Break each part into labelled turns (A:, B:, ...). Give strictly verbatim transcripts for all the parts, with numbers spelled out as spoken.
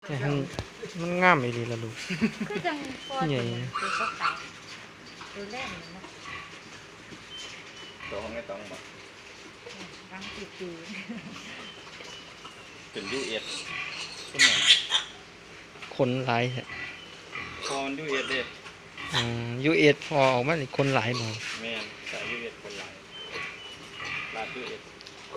A: แต่มันมันงามอีหลีล่ะลูก
B: คือจังพอ
A: ใหญ่
B: ตัวก็ตายตัวแรกนี่นะ
C: ตัวของไอ้ตองบอก
B: รังติดตี
C: เป็นยูเอสขึ้นมา
A: คนหลายแท้
C: พอมันยูเอสเด้
A: อืม ยู เอส พอออกมานี่คนหลายบ่
C: แม่นสายยูเอสคนหลายลาดยูเอส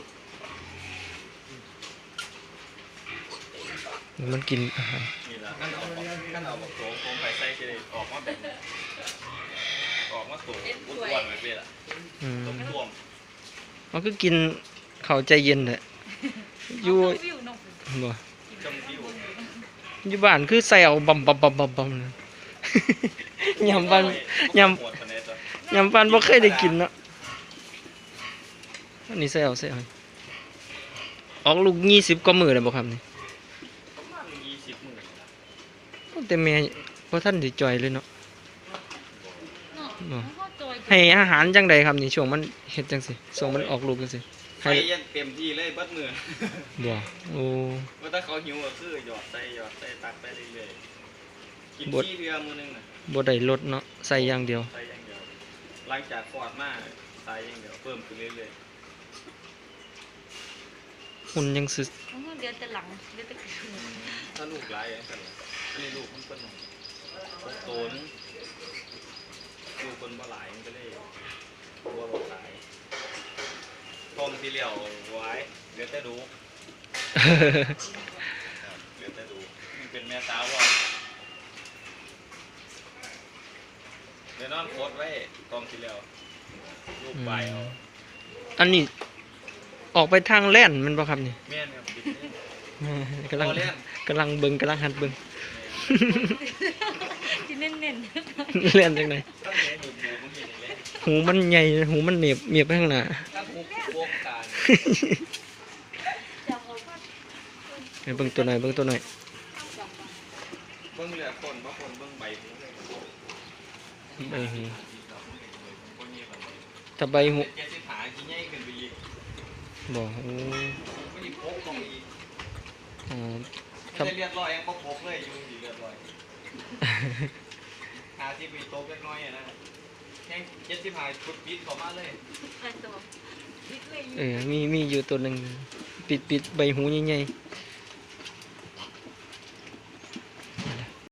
A: มันกินอาหาร
C: นี่ละขั้นเอาขั้นเอาบอกโถโคมไปใส่จะได้ออกมาแบบนี้ออกมาตัวอ้วนๆแบบนี้ล่ะ
A: อืม
C: ต้มท่วม
A: มันก็กินข้าวใจเย็นแหละอยู่
B: วิวนก
A: บ่
C: จมวิว
A: อยู่บ้านคือใส่เอาบำบำบำบำบำเลย ยำบ้าน ยำ
C: ปวดปานใดตัวย
A: ำบ้านบ่เคยได้กินเนาะอันนี้ใส่เอาใส่เอาออกลูกยี่สิบกว่ามื้อแล้วบ่ครับนี่
C: ประมาณยี่สิบหมื่นนะ
A: แต่แม่บ่ทันได้จ่อยเลยเนาะ
B: เนาะเขาจอย
A: ให้อาหารจังใดครับนี่ช่วงมันเฮ็ดจังซี่ช่วงมันออกลูกจังซี่
C: ไปยันเต็มที่เลยเบิดมือ
A: บ่โอ้
C: ว่าถ้าเขาหิวก็คือหยอดใส่หยอดใส่ตักไปเรื่อยๆกิน
A: บด
C: ที่เรือมือนึงน่ะ
A: บ่ได้ลดเนาะใส่อย่างเดียว
C: ใส่อย่างเดียวหลังจากคลอดมาใส่อย่างเดียวเพิ่มขึ้นเรื่อย
A: หุ่นยังสึ
B: เขาเดือนแต่หลังเดือนแต่คืน
C: ๆถ้าลูกหลายอย่างนั้นล่ะอันนี้ลูกมันเป็นโตนลูกคนบ่หลายมันก็เลยบัวบ่ขายทองที่เหลียวไว้เดี๋ยวแต่ดูเดี๋ยวแต่ดูมันเป็นแม่สาวว่าเดี๋ยวนอนโคตรไว้ทองที่เหลียวลูกใบเอา
A: อันนี้ออกไปทางแล่นแมันบ่ครับนี่
C: แม่นครับบิดนี่
A: กำลัง
C: พอแล่น
A: กำลังเบิ่งกำลังหัดเบิ่ง
B: ที่เน้นเน้น
A: เล่นจังได
C: ถ้าแม่หนูหมูมันเห็นอีกแล้ว
A: หูมันใหญ่หูมันเหนียบเหนียบไปข้างหน้า
C: ถ้าหมูพวกการ
B: จับเอาก็
A: ให้เบิ่งตัวหน่อยเบิ่งตัวหน่อย
C: เบิ้งเหลือคนบางคนเบิ้งใบหูเลย
A: ใบหู
C: คนนี้แบบ
A: ถ้าใบหู
C: เจ็ดสิบหากินง่ายขึ้นไปอีก
A: บ่โอ้
C: ไม่ได้พกลงอีก
A: อ๋อ
C: ไม่ได้เลือดลอยยังก็พกเลยอยู่ดีเลือดลอยหาที่มีโต๊ะเล็กน้อยอะนะแค่เจ็ดสิบหาชุดปิดเข้ามาเลย
B: กระโดดวิทย์เลย
A: เออมีมีอยู่ตัวหนึงปิดปิดใบหูใหญ่
C: เ